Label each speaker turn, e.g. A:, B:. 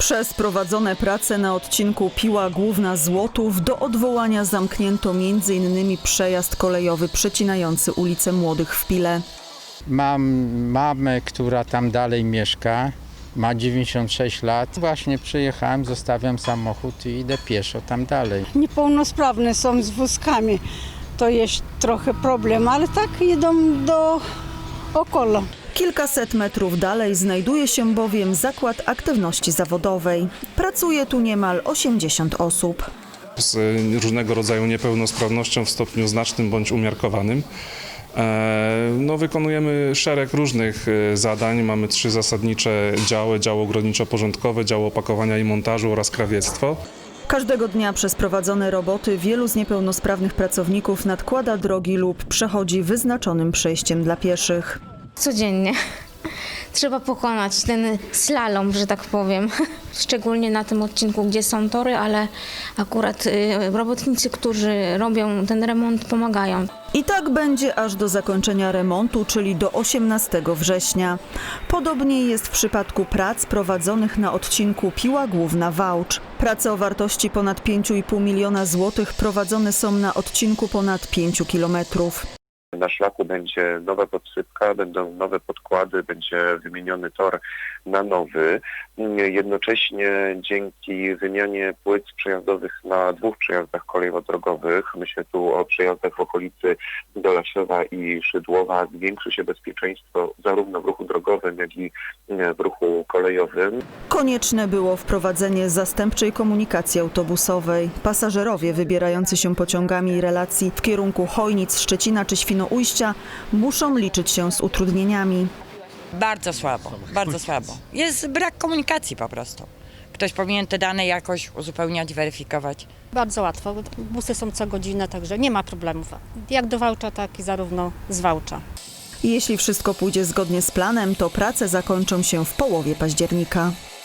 A: Przez prowadzone prace na odcinku Piła Główna - Złotów do odwołania zamknięto m.in. przejazd kolejowy przecinający ulicę Młodych w Pile.
B: Mam mamę, która tam dalej mieszka, ma 96 lat. Właśnie przyjechałem, zostawiam samochód i idę pieszo tam dalej.
C: Niepełnosprawne są z wózkami, to jest trochę problem, ale tak idą do około.
A: Kilkaset metrów dalej znajduje się bowiem zakład aktywności zawodowej. Pracuje tu niemal 80 osób.
D: Z różnego rodzaju niepełnosprawnością w stopniu znacznym bądź umiarkowanym. Wykonujemy szereg różnych zadań. Mamy 3 zasadnicze działy: działo ogrodniczo-porządkowe, działo opakowania i montażu oraz krawiectwo.
A: Każdego dnia przez prowadzone roboty wielu z niepełnosprawnych pracowników nadkłada drogi lub przechodzi wyznaczonym przejściem dla pieszych.
E: Codziennie trzeba pokonać ten slalom, że tak powiem. Szczególnie na tym odcinku, gdzie są tory, ale akurat robotnicy, którzy robią ten remont, pomagają.
A: I tak będzie aż do zakończenia remontu, czyli do 18 września. Podobnie jest w przypadku prac prowadzonych na odcinku Piła Główna - Wałcz. Prace o wartości ponad 5,5 miliona złotych prowadzone są na odcinku ponad 5 kilometrów.
F: Na szlaku będzie nowa podsypka, będą nowe podkłady, będzie wymieniony tor na nowy. Jednocześnie dzięki wymianie płyt przejazdowych na 2 przejazdach kolejowo-drogowych, myślę tu o przejazdach w okolicy Dolaszowa i Szydłowa, zwiększy się bezpieczeństwo zarówno w ruchu drogowym, jak i w ruchu kolejowym.
A: Konieczne było wprowadzenie zastępczej komunikacji autobusowej. Pasażerowie wybierający się pociągami relacji w kierunku Chojnic, Szczecina czy Świnoujścia muszą liczyć się z utrudnieniami.
G: Bardzo słabo, bardzo słabo. Jest brak komunikacji po prostu. Ktoś powinien te dane jakoś uzupełniać, weryfikować.
H: Bardzo łatwo. Busy są co godzinę, także nie ma problemów. Jak do Wałcza, tak i zarówno z Wałcza.
A: Jeśli wszystko pójdzie zgodnie z planem, to prace zakończą się w połowie października.